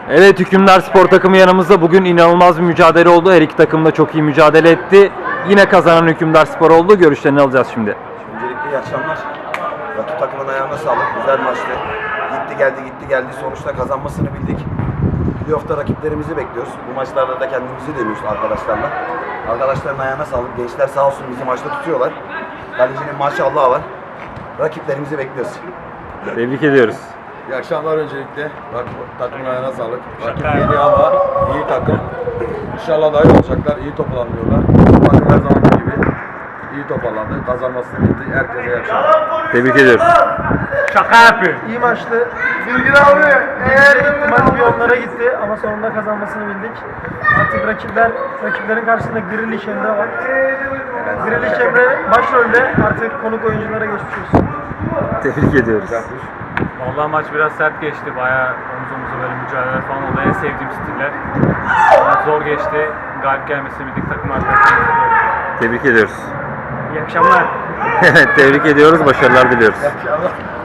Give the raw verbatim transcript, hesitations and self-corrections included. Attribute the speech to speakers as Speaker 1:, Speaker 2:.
Speaker 1: Evet, Hükümdar Spor takımı yanımızda. Bugün inanılmaz bir mücadele oldu. Her iki takım da çok iyi mücadele etti. Yine kazanan Hükümdar Spor oldu. Görüşlerini alacağız şimdi.
Speaker 2: Öncelikle iyi akşamlar. Rakip takımın ayağına sağlık. Güzel maçtı. Gitti geldi gitti geldi. Sonuçta kazanmasını bildik. Playoff'ta rakiplerimizi bekliyoruz. Bu maçlarda da kendimizi deniyoruz arkadaşlarla. Arkadaşların ayağına sağlık. Gençler sağ olsun bizi maçta tutuyorlar. Kalecinin maşallahı var. Rakiplerimizi bekliyoruz.
Speaker 1: Tebrik ediyoruz.
Speaker 3: İyi akşamlar öncelikle. Rakip takımın ayağına sağlık. Rakip iyiydi ama iyi takım. İnşallah daha iyi olacaklar. İyi toparlanıyorlar. Takım her zamanki gibi iyi toparlandı. Kazanmasını bildi. Herkese iyi akşamlar.
Speaker 1: Tebrik ediyoruz.
Speaker 4: Şaka yapıyor.
Speaker 5: İyi maçtı. Bilgin abi eğer ihtimal bir onlara gitti ama sonunda kazanmasını bildik. Artık rakipler, rakiplerin karşısında Grilish Emre var. Grilish Emre başrolde, artık konuk oyunculara geçmiş olsun.
Speaker 1: Tebrik ediyoruz.
Speaker 4: Vallahi maç biraz sert geçti. Bayağı omuz omuza böyle mücadele falan oldu. En sevdiğim stiller. Zor geçti. Galip gelmesini bildik, takım arkadaşlarımız.
Speaker 1: Tebrik ediyoruz.
Speaker 5: İyi akşamlar.
Speaker 1: Evet, tebrik ediyoruz. Başarılar diliyoruz.
Speaker 3: İyi akşamlar.